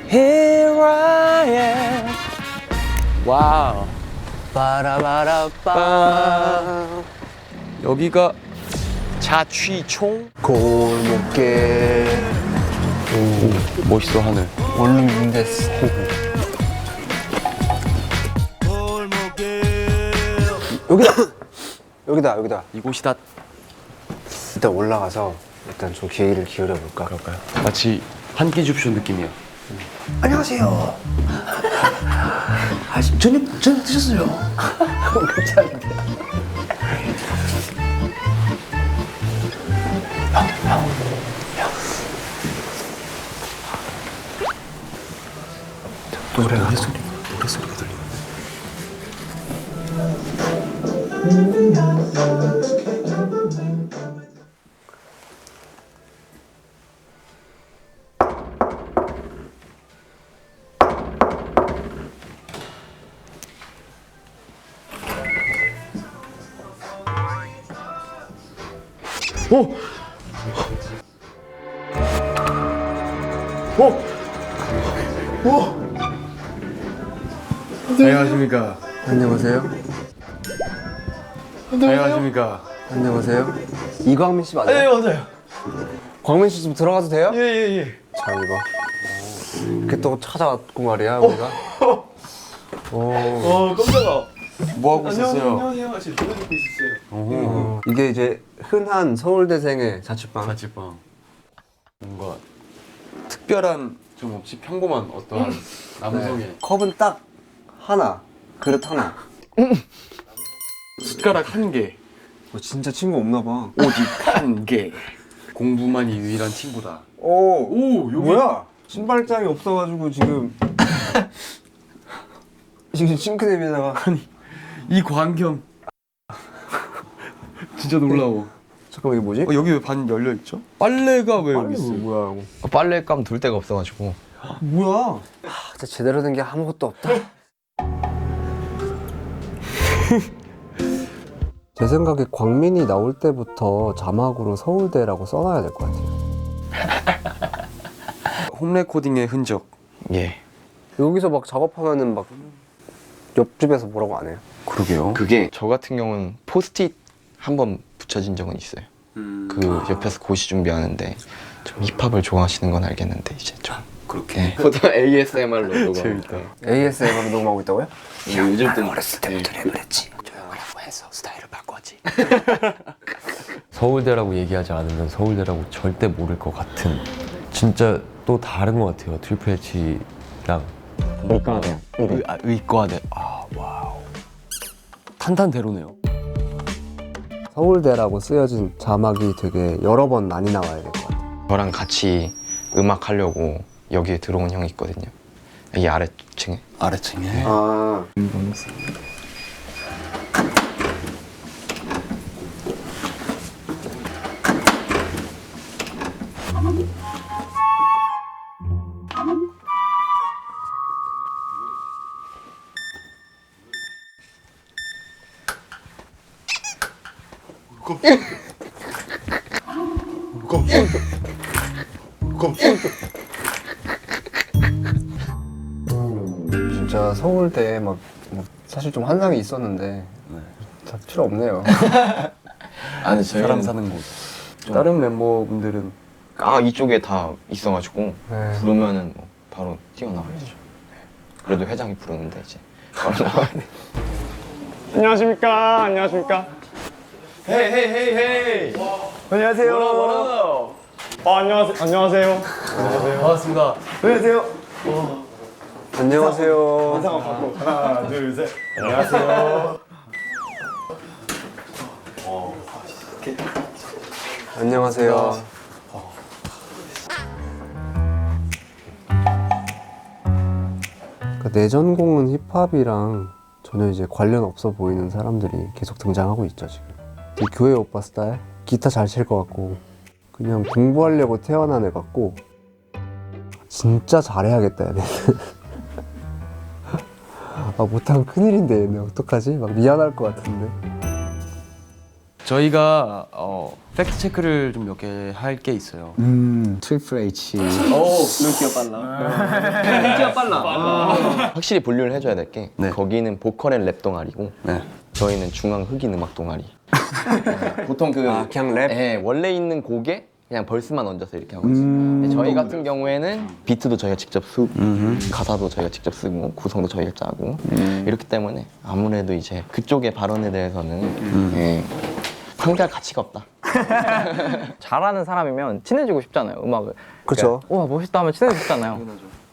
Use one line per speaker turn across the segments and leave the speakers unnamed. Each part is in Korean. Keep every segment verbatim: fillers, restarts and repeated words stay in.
Here I am. 와우.
빠라바라빠.
여기가 자취총.
골목길.
오, 멋있어 하늘.
원룸 됐어. 여기다. 여기다 여기다.
이곳이다.
일단 올라가서 일단 좀 귀를 기울여 볼까?
그럴까요? 마치 한 끼 줍쇼 느낌이야.
안녕하세요. 아, 저녁 저녁 드셨어요? 괜찮은데. 노래 노래 소리 노래 소리가 들리네.
오! 오! 오! 안녕하십니까.
안녕하세요.
안녕하십니까.
안녕하세요. 이광민 씨 맞아요?
네, 맞아요.
광민 씨 좀 들어가도 돼요?
예, 예, 예.
자, 이거. 이렇게 또 찾아왔고 말이야, 우리가. 오.
어, 깜짝아. 뭐 하고 있었어요?
안녕하세요. 지금 노래 듣고 있었어요.
오.
이게 이제 흔한 서울대생의 자취방.
자취방. 뭔가 특별한 좀 없이 평범한 어떠한 남성의
네. 컵은 딱 하나, 그릇 하나.
숟가락 한 개,
어, 진짜 친구 없나 봐.
오직 한 개. 공부만이 유일한 친구다.
오,
오, 여기
뭐야? 신발장이 없어가지고 지금 지금 싱크대에다가
이 광경 진짜 놀라워.
잠깐만 이게 뭐지?
어, 여기 왜 반 열려 있죠? 빨래가 왜 여기 있어?
뭐야 이거?
빨래감 둘 데가 없어가지고.
뭐야? 하, 진짜 제대로 된 게 아무것도 없다. 제 생각에 광민이 나올 때부터 자막으로 서울대라고 써놔야 될 것 같아요.
홈 레코딩의 흔적.
예.
여기서 막 작업하면은 막 옆집에서 뭐라고 안 해요?
그러게요.
그게 저 같은 경우는 포스트잇 한 번 붙여진 적은 있어요.
음...
그 옆에서 고시 준비하는데 좀 힙합을 좋아하시는 건 알겠는데 이제 좀
그렇게.
보통 에이에스엠알로 녹음.
재밌다.
에이에스엠으로 녹음하고 있다고요?
요즘 또
어렸을 때부터 랩을 했지. 조용하라고 해서 스타일을 바꿨지.
서울대라고 얘기하지 않으면 서울대라고 절대 모를 것 같은, 진짜 또 다른 것 같아요. 트리플 H랑
의과대요.
의, 아, 의과대. 아 와우, 탄탄대로네요.
서울대라고 쓰여진 자막이 되게 여러 번 많이 나와야 될 것 같아요.
저랑 같이 음악 하려고 여기에 들어온 형이 있거든요. 이 아래층에.
아래층에.
아, 진짜 서울대 막 뭐 사실 좀 환상이 있었는데 다 필요 없네요.
아니
사람 사는 곳. 다른 멤버분들은
아 이쪽에 다 있어가지고
네.
부르면은 뭐 바로 뛰어나와야죠. 네. 그래도 회장이 부르는데 이제 바로 나와야 돼.
안녕하십니까. 안녕하십니까.
헤이 헤이 헤이 헤이.
안녕하세요.
뭐라 뭐라.
아, 안녕하세요. 안녕하세요.
반갑습니다.
안녕하세요.
안녕하세요.
인사 한번 받고 하나, 둘, 셋. 안녕하세요.
안녕하세요. 그러니까 내 전공은 힙합이랑 전혀 이제 관련 없어 보이는 사람들이 계속 등장하고 있죠 지금. 되게 교회 오빠 스타일, 기타 잘 칠 것 같고 그냥 공부하려고 태어난 애 같고 진짜 잘해야겠다 얘네. 아 못하면 큰일인데 얘네 어떡하지? 막 미안할 것 같은데.
저희가 어, 팩트 체크를 좀 몇 개 할 게 있어요.
음, 트리플 H.
확실히 분류를 해줘야 될 게
네.
거기는 보컬 앤 랩 동아리고
네.
저희는 중앙 흑인 음악 동아리. 네, 보통 그
아, 그냥 랩?
네, 원래 있는 곡에 그냥 벌스만 얹어서 이렇게 하고 있어요. 근데 저희 같은 경우에는 비트도 저희가 직접 쓰고 가사도 저희가 직접 쓰고 구성도 저희가 짜고 이렇기 때문에 아무래도 이제 그쪽의 발언에 대해서는 예, 상대할 가치가 없다.
잘하는 사람이면 친해지고 싶잖아요, 음악을.
그렇죠.
우와, 멋있다 하면 친해지고 싶잖아요.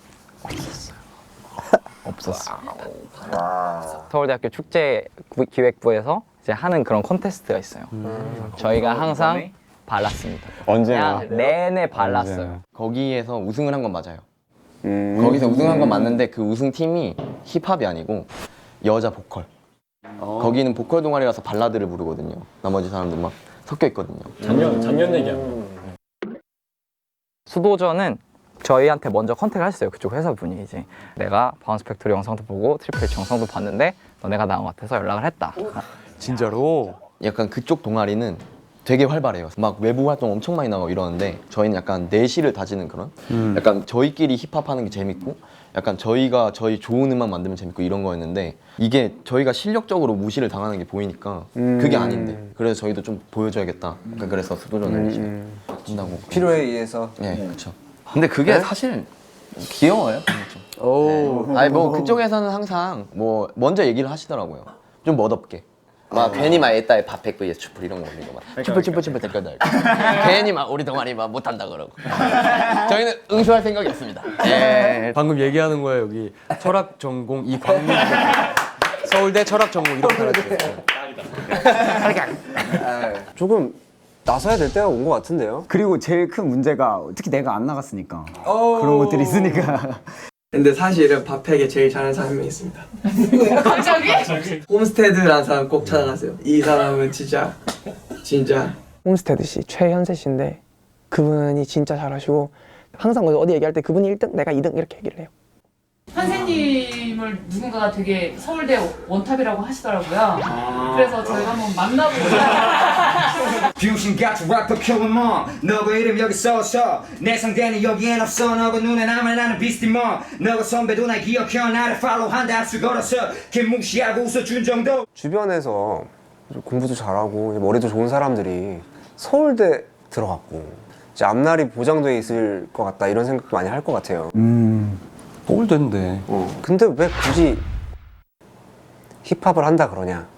없었어.
서울대학교 축제 구- 기획부에서 이제 하는 그런 콘테스트가 있어요. 저희가 항상 발랐습니다.
언제나.
그냥 내내 발랐어요.
거기에서 우승을 한 건 맞아요.
음.
거기서 우승한 건 맞는데 그 우승팀이 힙합이 아니고 여자 보컬. 거기는 보컬 동아리라서 발라드를 부르거든요. 나머지 사람들 막 섞여 있거든요.
작년 작년 얘기하는
수도전은 저희한테 먼저 컨택을 하셨어요. 그쪽 회사 분이 이제 내가 바운스 팩토리 영상도 보고 트리플 H 영상도 봤는데 너네가 나온 것 같아서 연락을 했다.
진짜로?
약간 그쪽 동아리는 되게 활발해요. 막 외부 활동 엄청 많이 나가고 이러는데 저희는 약간 내실을 다지는 그런 약간 저희끼리 힙합하는 게 재밌고 약간 저희가 저희 좋은 음악 만들면 재밌고 이런 거였는데 이게 저희가 실력적으로 무시를 당하는 게 보이니까 그게 아닌데 그래서 저희도 좀 보여줘야겠다. 약간 그래서 수도전을 이제 한다고.
필요에 의해서.
네, 그렇죠. 근데 그게 사실 귀여워요.
오.
네. 아니 뭐 그쪽에서는 항상 뭐 먼저 얘기를 하시더라고요. 좀 멋없게. 막 괜히 막 애따에 밥백 vs 추플 이런 거 올리고 막 추플 추플 추플 댓글 달고 괜히 막 우리 동아리 막 못한다 그러고 저희는 응수할 생각이 없습니다. 예.
방금 얘기하는 거예요. 여기 철학 전공 이광민 서울대 철학 전공 이렇게 달아주셨어요.
조금 나서야 될 때가 온 것 같은데요.
그리고 제일 큰 문제가 특히 내가 안 나갔으니까 그런 것들이 있으니까.
근데 사실은 밥팩에 제일 잘하는 사람이 한 명 있습니다. 갑자기? 홈스테드라는 사람 꼭 찾아가세요. 이 사람은 진짜 진짜
홈스테드 씨, 최현세 씨인데 그분이 진짜 잘하시고 항상 어디 얘기할 때 그분이 일 등, 내가 이 등 이렇게 얘기를 해요.
선생님을 누군가가 되게 서울대 원탑이라고 하시더라고요. 그래서 저희가 한번 만나보고
병신같이 래퍼 큐브먼 너가 이름 여기 써서 내 상대는 여기엔 없어 너가 눈에 남아 나는 비스티먼 너가 선배도 날 기억해 나를 팔로우한다 합수 걸어서 개무시하고 웃어준 정도.
주변에서 공부도 잘하고 머리도 좋은 사람들이 서울대 들어갔고 이제 앞날이 보장돼 있을 것 같다 이런 생각도 많이 할 것 같아요.
음.
서울대인데.
어. 근데 왜 굳이 힙합을 한다 그러냐?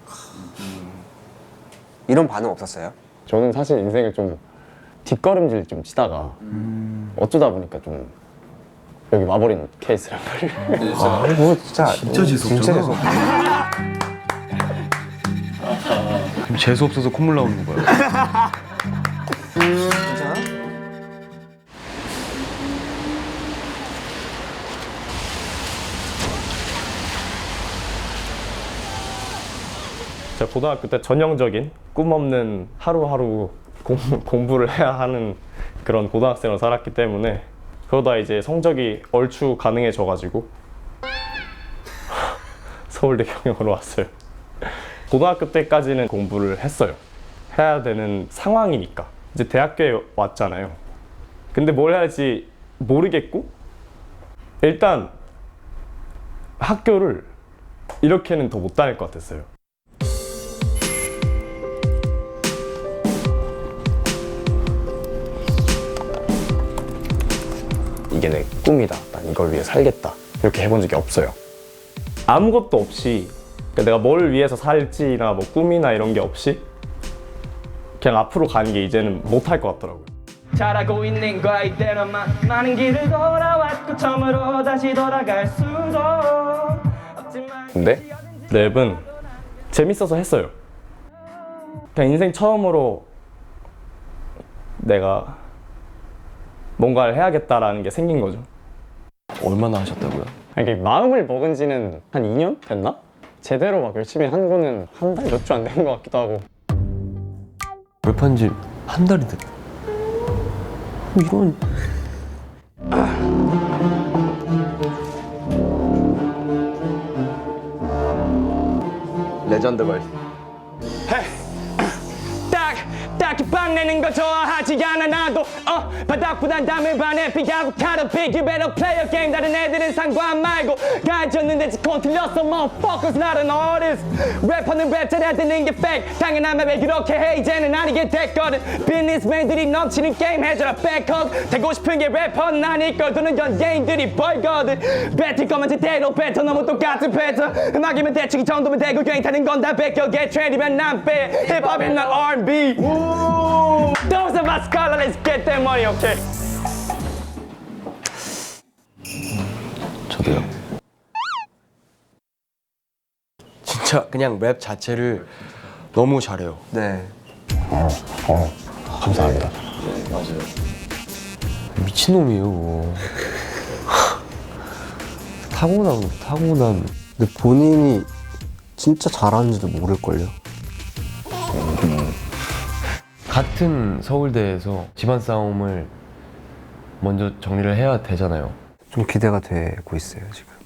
이런 반응 없었어요?
저는 사실 인생을 좀 뒷걸음질 좀 치다가 어쩌다 보니까 좀 여기 와버린 케이스란 말이에요.
아, 뭐 진짜 진짜 재수없잖아. 진짜 재수.
그럼 재수 없어서 콧물 나오는 거예요.
괜찮아?
제가 고등학교 때 전형적인 꿈 없는 하루하루 공, 공부를 해야 하는 그런 고등학생으로 살았기 때문에 그러다 이제 성적이 얼추 가능해져가지고 서울대 경영으로 왔어요. 고등학교 때까지는 공부를 했어요. 해야 되는 상황이니까. 이제 대학교에 왔잖아요. 근데 뭘 해야 할지 모르겠고 일단 학교를 이렇게는 더 못 다닐 것 같았어요. 이게 내 꿈이다. 난 이걸 위해 살겠다. 이렇게 해본 적이 없어요. 아무것도 없이 그러니까 내가 뭘 위해서 살지나 뭐 꿈이나 이런 게 없이 그냥 앞으로 가는 게 이제는 못할 것 같더라고요.
잘하고 있는 거야 이대로만 많은 길을 돌아왔고 처음으로 다시 돌아갈 수도 없지만.
근데 랩은 재밌어서 했어요. 그냥 인생 처음으로 내가 뭔가를 해야겠다라는 게 생긴 거죠.
얼마나 하셨다고요?
이게 마음을 먹은 지는 한 이 년 됐나? 제대로 막 열심히 한 거는 한 달 몇 주 안 된 것 같기도 하고.
랩한 지 한 달이 됐다. 이런.
레전드 벌스.
되는 거 좋아하지 않아 나도 어 바닥보단 담을 반해 피하고 카드 픽 You better play your game 다른 애들은 상관 말고 가졌는데 지콘 틀렸어 motherfuckers not an artist 래퍼는 랩 잘해야 되는 게 fake 당연하면 왜 그렇게 해 이제는 아니게 됐거든 비즈니스맨들이 넘치는 게임 해줘라 백허그 되고 싶은 게 래퍼는 아닐걸 도는 연예인들이 벌거든 뱉을 거면 제대로 뱉어 너무 똑같은 패턴 음악이면 대충 이 정도면 되고 괜히 타는 건 다 베껴게 트렌디면 난 빼 힙합은 난 알 앤 비 Those are my scholar let's get that money okay
저도요.
진짜 그냥 랩 자체를 너무 잘해요.
네.
감사합니다
미친놈이에요. 타고난 거 타고난.
근데 본인이 진짜 잘하는지도 모를걸요.
같은 서울대에서 집안 싸움을 먼저 정리를 해야 되잖아요.
좀 기대가 되고 있어요 지금.